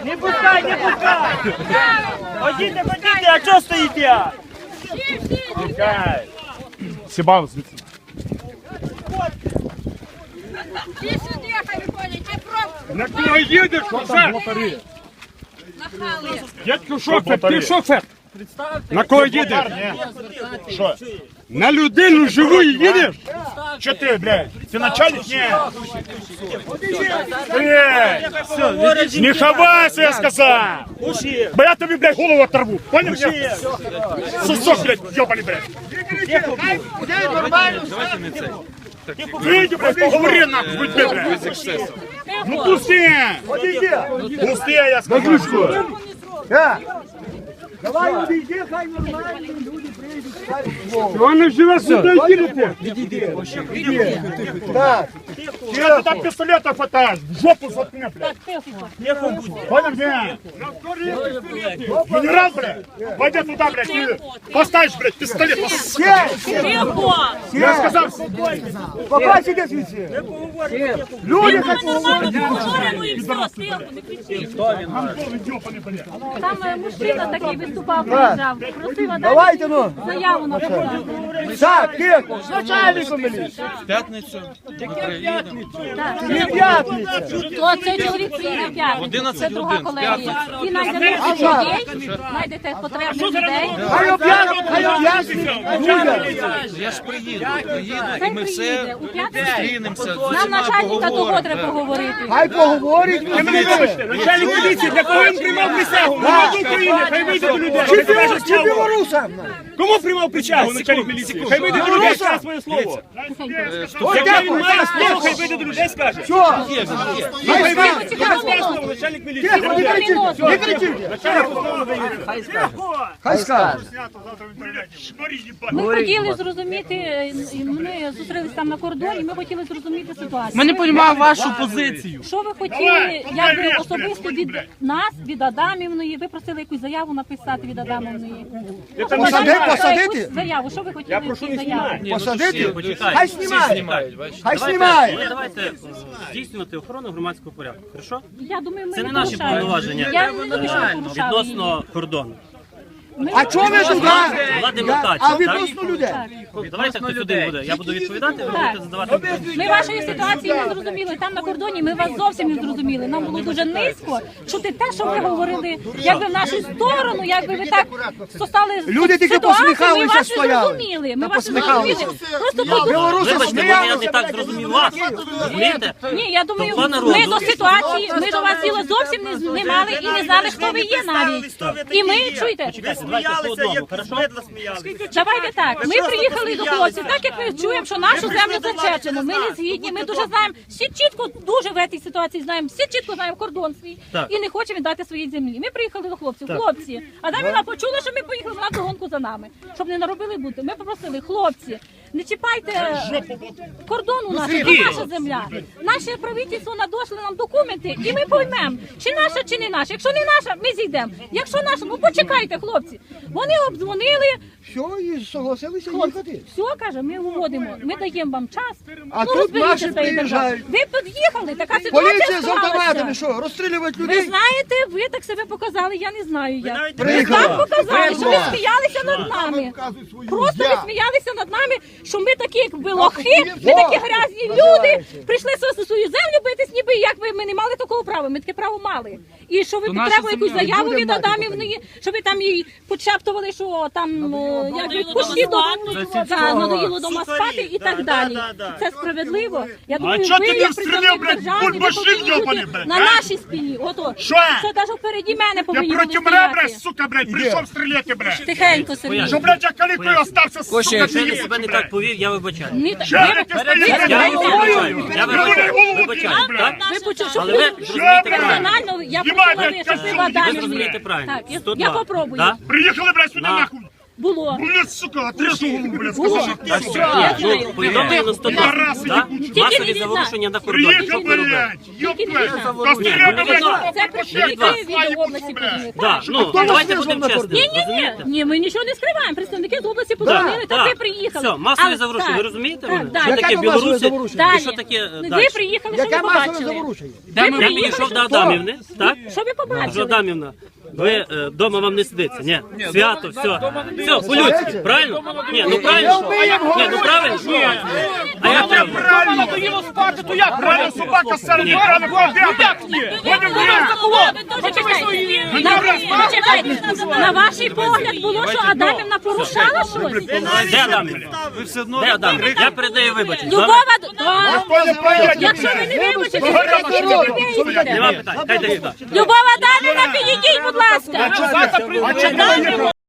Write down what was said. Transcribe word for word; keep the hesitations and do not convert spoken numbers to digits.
Не пускай, не пускай! Ходите, ходите, а чого стоїте? Пускай! Сібав звідси. Ти сюди, хай виходять, ти просто На кого їдеш, шофер? нахали. Дядько шофер, ти шофер. На кого їдеш? Що? На людину живу їдеш? Що ти, блядь? Ти начальник? Ні. Блядь, не ховайся, я сказав. Бо я тобі, блядь, голову оторву. Понял? Сусок, блядь, ёбаний, блядь. Вийди, блядь, поговори нахуй, будь, блядь. Ну пусти! Пусти, я сказав. Давай увійди, хай нормальні люди прийдуть. Вони живе сюди, їдете. Так. Чого ти там пістолета хватаєш? В жопу заткни, блядь. Понял, блядь? Генерал, блядь, пойди туда, блядь, и поставишь, блядь, пистолет. Я сказав, Пока сиди звідси. Люди хай поговорять. Антон, ёбаний, блядь. Там е, мужчина такий виступав, приїжджав, просив Давайте, ну. заяву на подати. Так, тихо, з начальником міліції. П'ятницю Не п'ятниця. То цей чоловік приїде в п'ятницю, це друга колегія. І знайде людей, знайдете потрібних людей. Хай об'яснить, хай об'яснить людям. я ж приїду, приїду, і Хай ми приїде все у п'ятницю. зустрінемося, з Нам усіма начальника того поговоримо. треба поговорити. Хай поговорить. Ви мене вибачте, начальник поліції, для кого він приймав присягу? Народу України, хай вийде до людей. Чи білорус, чи білорусам? Кому приймав присягу начальник поліції? Хай вийде до людей, скаже своє слово. Яке він має слово, хай вийде до людей, скаже. Що? Хай вийде, до начальник поліції. Тихо, не кричіть, не кричіть. Хай скаже. Ми хотіли зрозуміти, і ми зустрілися там на кордоні, ми хотіли зрозуміти ситуацію. Ми не розуміємо вашу позицію. Що ви хотіли, якби особисто від нас, від Адамівної, ви просили якусь заяву написати від Адамівної. Посади- посадити? Якусь заяву, що ви хотіли в цій заяві? Посадити? Почекайте, Хай всі знімає. знімають, бачите? Хай знімає. Ви давайте здійснювати охорону громадського порядку, хорошо? Я думаю, ми Це не не наші порушаємо. повноваження. Я не думаю, що ми порушали її. Відносно кордону. Ми А чого ви туди? Влади Я- Микача, А так? відносно людей? Давайте хтось один буде. Я буду відповідати, ви будете задавати питання. Ми вашої ситуації не зрозуміли. Там на кордоні ми вас зовсім не зрозуміли. Нам було дуже низько чути те, що ви говорили, якби в нашу сторону, якби ви так стали Люди тільки ситуацію, ми посміхалися, вас не стояли. зрозуміли. Ми Та вас не посміхалися. зрозуміли. Просто тут Білоруси Вибачте, бо я не сміялися. так зрозумів вас. Розумієте? ні, я думаю, Того народу. ми до ситуації, ми до вас діла зовсім не, не мали і не знали, хто ви є навіть. І ми чуєте. Чекайте, давайте по одному, хорошо? Давайте так. Ми приїхали до хлопців, так як ми чуємо, що нашу землю зачеплено. Ми не згідні. Ми дуже знаємо, всі чітко дуже в цій ситуації знаємо, всі чітко знаємо кордон свій Так. і не хочемо віддати своїй землі. Ми приїхали до хлопців. Хлопці, а там вона почула, що ми поїхали на догонку за нами, щоб не наробили бути. Ми попросили, хлопці, не чіпайте кордону нашу, це наша земля. Наше правительство надошло нам документи, і ми поймемо, чи наша, чи не наша. Якщо не наша, ми зійдемо. Якщо наша, ну почекайте, хлопці. Вони обдзвонили. Все, і согласилися Хлопці, їхати. все, каже, ми виводимо, ми даємо вам час. А ну, тут розберіться наші з цією державою. приїжджають. Ви під'їхали, така ситуація Поліція з автоматами, склалася. що, розстрілювати Ви людей? знаєте, ви так себе показали, я не знаю як. Ви Приїхали. так показали, що ви сміялися над нами. Просто ви сміялися над нами, що ми такі якби лохи, ми такі грязні люди, прийшли за свою землю битись, ніби як ви, ми не мали такого права, ми таке право мали. І що ви То наша потребували якусь земля. заяву Людям від мати Адамівної, щоб ви там їй почептували, що там е, якби кущі до да, надоїло дома спати і так далі. Це справедливо. Я думаю, чого ви ти не як встріляв, представник блядь, держави, ви бульбашин повинні йобаний, бути блядь, на а? нашій спині. Ото Що? це навіть впереді мене Я повинні проти були мене, блядь, стояти. сука, блядь, прийшов стріляти, блядь. Тихенько, Сергій. Що, блядь, я калікою остався, сука, Якщо я ти себе не так повів, я вибачаю. Ні, та- Що ви- ви стоїте, Я блядь, вибачаю, я Люди вибачаю, голову вибачаю, б'ють, так? блядь. Ви почули, що Але ви ви зрозумієте правильно. персонально, я Знімайте, пропоную, щоб ви костюм, в Адамі ви зрозумієте правильно. Так, я, Сто я два. попробую. Да? Приїхали, блядь, сюди, На. нахуй. Було. Блядь, сука, отрежу голову, блядь, Було. сказав, що ти, сука. Я знаю. Повідомлення на сто Раси да? не Тільки Масові не війна. заворушення на кордоні. Що Приїхав, ви робите? блядь, Тільки не ёпта. війна. Костряка, блядь, Це представники від області подзвонили. Да, ну, давайте будемо чесними, Ні, ні, ні, розумієте? ні, ми нічого не скриваємо. Представники з області подзвонили, та так. ви приїхали. Все, масові Але- заворушення, так, ви розумієте так, мене? так. Що Яке таке масове білоруси? заворушення? Далі. І що таке Ви далі? приїхали, що ви Яке масове побачили? заворушення? Я приїхали, підійшов що- до Адамівни, так? Що ви Кажу, побачили? Адамівна, ви вдома вам не сидиться, ні, свято, все, все, по-людськи, правильно? Ні, ну правильно, ні, ну правильно, а як правильно? Правильно, доїло спати, то як? Правильно, собака серед рано ходить. Як ні? Ходимо, блядь. Ви теж чекайте. На- Чекайте. На ваш погляд було, що Адамівна порушала щось? Де Адамівна? Де Адамівна? Я передаю вибачення. Любова, да. Хто не приїде? Якщо ви не вибачите, то ви Нема питань, хай дає. Любова Адамівна, підійдіть, будь ласка. А чого